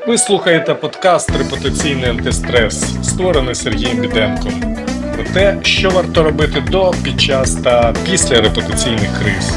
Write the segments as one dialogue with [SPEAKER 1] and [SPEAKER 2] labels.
[SPEAKER 1] Ви слухаєте подкаст «Репутаційний антистрес», створений Сергієм Біденком. Про те, що варто робити до, під час та після репутаційних криз.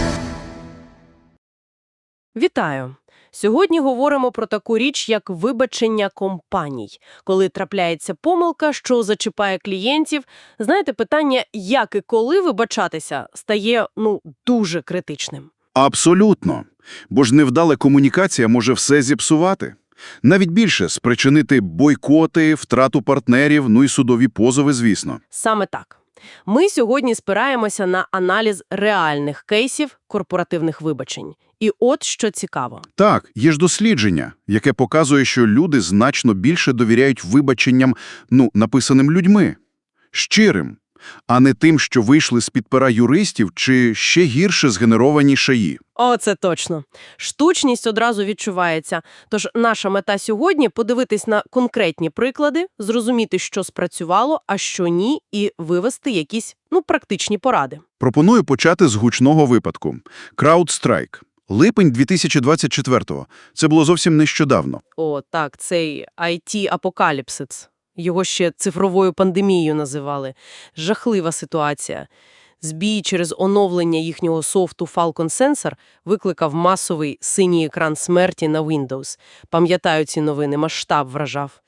[SPEAKER 2] Вітаю! Сьогодні говоримо про таку річ, як вибачення компаній. Коли трапляється помилка, що зачіпає клієнтів, знаєте, питання, як і коли вибачатися, стає, дуже критичним.
[SPEAKER 3] Абсолютно. Бо ж невдала комунікація може все зіпсувати. Навіть більше – спричинити бойкоти, втрату партнерів, і судові позови, звісно.
[SPEAKER 2] Саме так. Ми сьогодні спираємося на аналіз реальних кейсів корпоративних вибачень. І от що цікаво.
[SPEAKER 3] Так, є ж дослідження, яке показує, що люди значно більше довіряють вибаченням, написаним людьми. Щирим, а не тим, що вийшли з-під пера юристів чи ще гірше згенеровані шаї.
[SPEAKER 2] О, це точно. Штучність одразу відчувається. Тож наша мета сьогодні – подивитись на конкретні приклади, зрозуміти, що спрацювало, а що ні, і вивести якісь, практичні поради.
[SPEAKER 3] Пропоную почати з гучного випадку. CrowdStrike. Липень 2024-го. Це було зовсім нещодавно.
[SPEAKER 2] О, так, цей IT-апокаліпсис. Його ще цифровою пандемією називали. Жахлива ситуація. Збій через оновлення їхнього софту Falcon Sensor викликав масовий синій екран смерті на Windows. Пам'ятаю ці новини, масштаб вражав.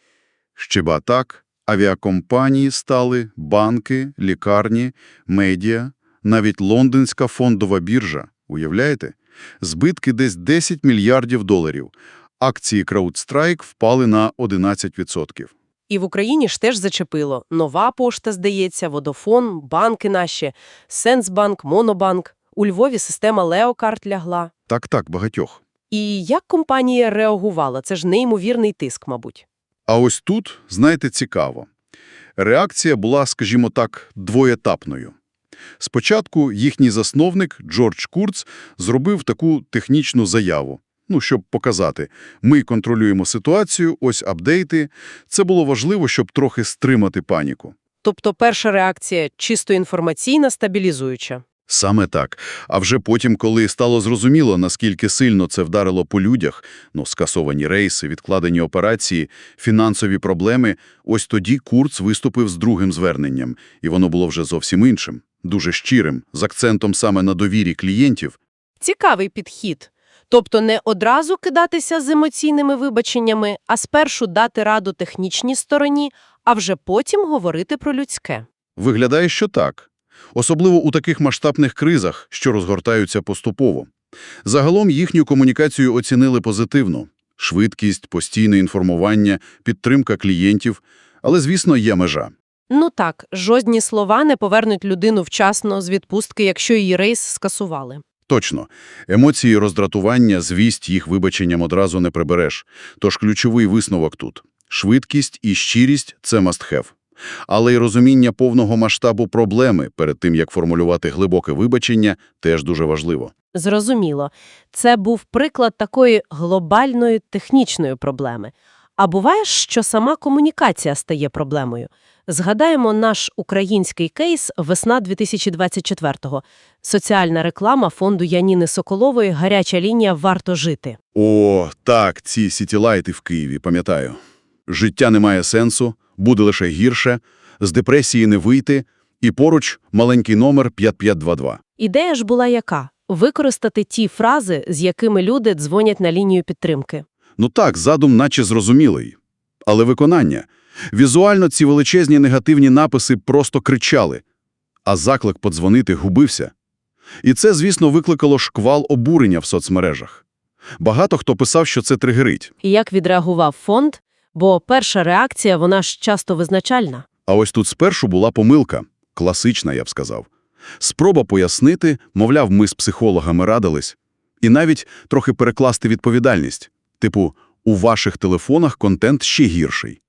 [SPEAKER 3] Ще так, авіакомпанії стали, банки, лікарні, медіа, навіть лондонська фондова біржа. Уявляєте? Збитки десь 10 мільярдів доларів. Акції CrowdStrike впали на 11%.
[SPEAKER 2] І в Україні ж теж зачепило. Нова пошта, здається, Водофон, банки наші, Сенсбанк, Монобанк. У Львові система Леокарт лягла.
[SPEAKER 3] Так, багатьох.
[SPEAKER 2] І як компанія реагувала? Це ж неймовірний тиск, мабуть.
[SPEAKER 3] А ось тут, знаєте, цікаво. Реакція була, скажімо так, двоєтапною. Спочатку їхній засновник Джордж Курц зробив таку технічну заяву. Щоб показати, ми контролюємо ситуацію, ось апдейти. Це було важливо, щоб трохи стримати паніку.
[SPEAKER 2] Тобто перша реакція чисто інформаційна, стабілізуюча.
[SPEAKER 3] Саме так. А вже потім, коли стало зрозуміло, наскільки сильно це вдарило по людях, скасовані рейси, відкладені операції, фінансові проблеми, ось тоді Курц виступив з другим зверненням. І воно було вже зовсім іншим, дуже щирим, з акцентом саме на довірі клієнтів.
[SPEAKER 2] Цікавий підхід. Тобто не одразу кидатися з емоційними вибаченнями, а спершу дати раду технічній стороні, а вже потім говорити про людське.
[SPEAKER 3] Виглядає, що так. Особливо у таких масштабних кризах, що розгортаються поступово. Загалом їхню комунікацію оцінили позитивно. Швидкість, постійне інформування, підтримка клієнтів. Але, звісно, є межа.
[SPEAKER 2] Так, жодні слова не повернуть людину вчасно з відпустки, якщо її рейс скасували.
[SPEAKER 3] Точно. Емоції роздратування, звість їх вибаченням одразу не прибереш. Тож ключовий висновок тут. Швидкість і щирість – це must have. Але й розуміння повного масштабу проблеми перед тим, як формулювати глибоке вибачення, теж дуже важливо.
[SPEAKER 2] Зрозуміло. Це був приклад такої глобальної технічної проблеми. А буває, що сама комунікація стає проблемою. Згадаємо наш український кейс весна 2024-го. Соціальна реклама фонду Яніни Соколової «Гаряча лінія. Варто жити».
[SPEAKER 3] О, так, ці сітілайти в Києві, пам'ятаю. Життя не має сенсу, буде лише гірше, з депресії не вийти, і поруч маленький номер 5522.
[SPEAKER 2] Ідея ж була яка? Використати ті фрази, з якими люди дзвонять на лінію підтримки.
[SPEAKER 3] Так, задум наче зрозумілий. Але виконання. Візуально ці величезні негативні написи просто кричали, а заклик подзвонити губився. І це, звісно, викликало шквал обурення в соцмережах. Багато хто писав, що це тригерить.
[SPEAKER 2] І як відреагував фонд? Бо перша реакція, вона ж часто визначальна.
[SPEAKER 3] А ось тут спершу була помилка. Класична, я б сказав. Спроба пояснити, мовляв, ми з психологами радились. І навіть трохи перекласти відповідальність. Типу, у ваших телефонах контент ще гірший.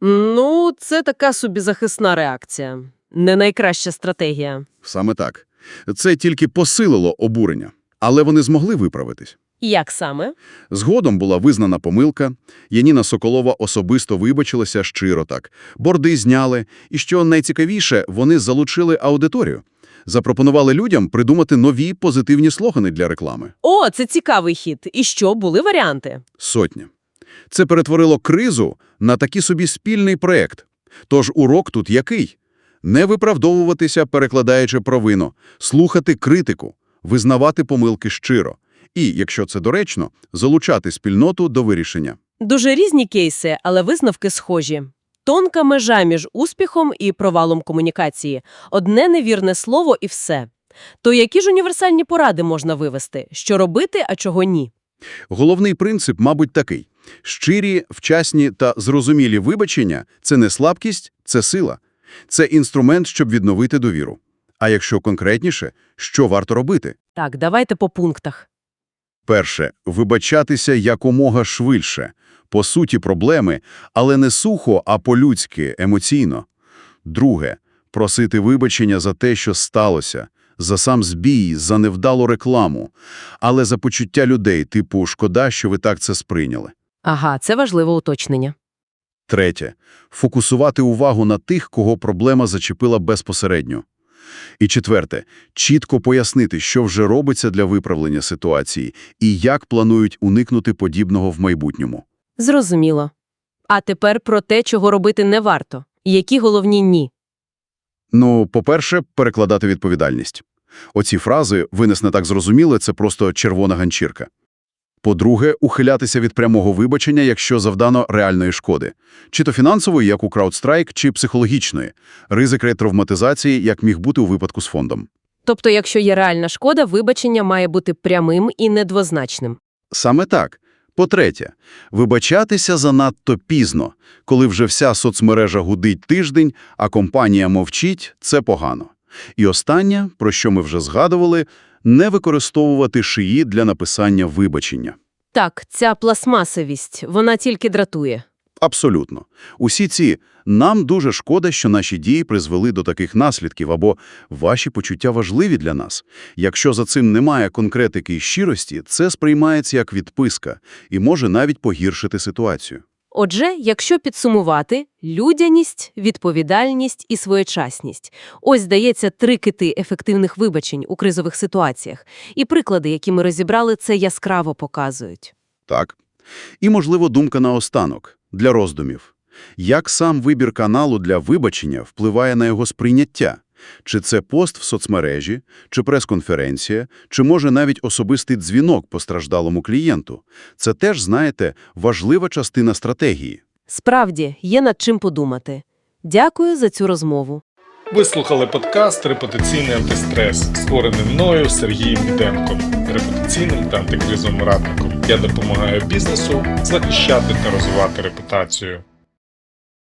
[SPEAKER 2] Це така собі захисна реакція. Не найкраща стратегія.
[SPEAKER 3] Саме так. Це тільки посилило обурення. Але вони змогли виправитись.
[SPEAKER 2] Як саме?
[SPEAKER 3] Згодом була визнана помилка. Яніна Соколова особисто вибачилася щиро так. Борди зняли. І що найцікавіше, вони залучили аудиторію. Запропонували людям придумати нові позитивні слогани для реклами.
[SPEAKER 2] О, це цікавий хід. І що, були варіанти?
[SPEAKER 3] Сотня. Це перетворило кризу на такий собі спільний проект. Тож урок тут який? Не виправдовуватися, перекладаючи провину, слухати критику, визнавати помилки щиро. І, якщо це доречно, залучати спільноту до вирішення.
[SPEAKER 2] Дуже різні кейси, але висновки схожі. Тонка межа між успіхом і провалом комунікації. Одне невірне слово і все. То які ж універсальні поради можна вивести? Що робити, а чого ні?
[SPEAKER 3] Головний принцип, мабуть, такий. Щирі, вчасні та зрозумілі вибачення – це не слабкість, це сила. Це інструмент, щоб відновити довіру. А якщо конкретніше, що варто робити?
[SPEAKER 2] Так, давайте по пунктах.
[SPEAKER 3] Перше – вибачатися якомога швидше. По суті проблеми, але не сухо, а по-людськи, емоційно. Друге – просити вибачення за те, що сталося, за сам збій, за невдалу рекламу, але за почуття людей, типу «шкода, що ви так це сприйняли».
[SPEAKER 2] Ага, це важливе уточнення.
[SPEAKER 3] Третє – фокусувати увагу на тих, кого проблема зачепила безпосередньо. І четверте – чітко пояснити, що вже робиться для виправлення ситуації і як планують уникнути подібного в майбутньому.
[SPEAKER 2] Зрозуміло. А тепер про те, чого робити не варто. Які головні «ні».
[SPEAKER 3] Ну, по-перше, перекладати відповідальність. Оці фрази «ви нас не так зрозуміли» – це просто червона ганчірка. По-друге, ухилятися від прямого вибачення, якщо завдано реальної шкоди. Чи то фінансової, як у CrowdStrike, чи психологічної. Ризик ретравматизації, як міг бути у випадку з фондом.
[SPEAKER 2] Тобто, якщо є реальна шкода, вибачення має бути прямим і недвозначним.
[SPEAKER 3] Саме так. По-третє, вибачатися занадто пізно. Коли вже вся соцмережа гудить тиждень, а компанія мовчить – це погано. І останнє, про що ми вже згадували – не використовувати шиї для написання вибачення.
[SPEAKER 2] Так, ця пластмасовість, вона тільки дратує.
[SPEAKER 3] Абсолютно. Усі ці «нам дуже шкода, що наші дії призвели до таких наслідків» або «ваші почуття важливі для нас». Якщо за цим немає конкретики і щирості, це сприймається як відписка і може навіть погіршити ситуацію.
[SPEAKER 2] Отже, якщо підсумувати – людяність, відповідальність і своєчасність. Ось, здається, 3 кити ефективних вибачень у кризових ситуаціях. І приклади, які ми розібрали, це яскраво показують.
[SPEAKER 3] Так. І, можливо, думка наостанок, для роздумів. Як сам вибір каналу для вибачення впливає на його сприйняття? Чи це пост в соцмережі, чи прес-конференція, чи, може, навіть особистий дзвінок постраждалому клієнту? Це теж, знаєте, важлива частина стратегії.
[SPEAKER 2] Справді, є над чим подумати. Дякую за цю розмову.
[SPEAKER 1] Ви слухали подкаст «Репутаційний антистрес», створений мною Сергієм Біденком, репутаційним та антикризовим радником. Я допомагаю бізнесу захищати та розвивати репутацію.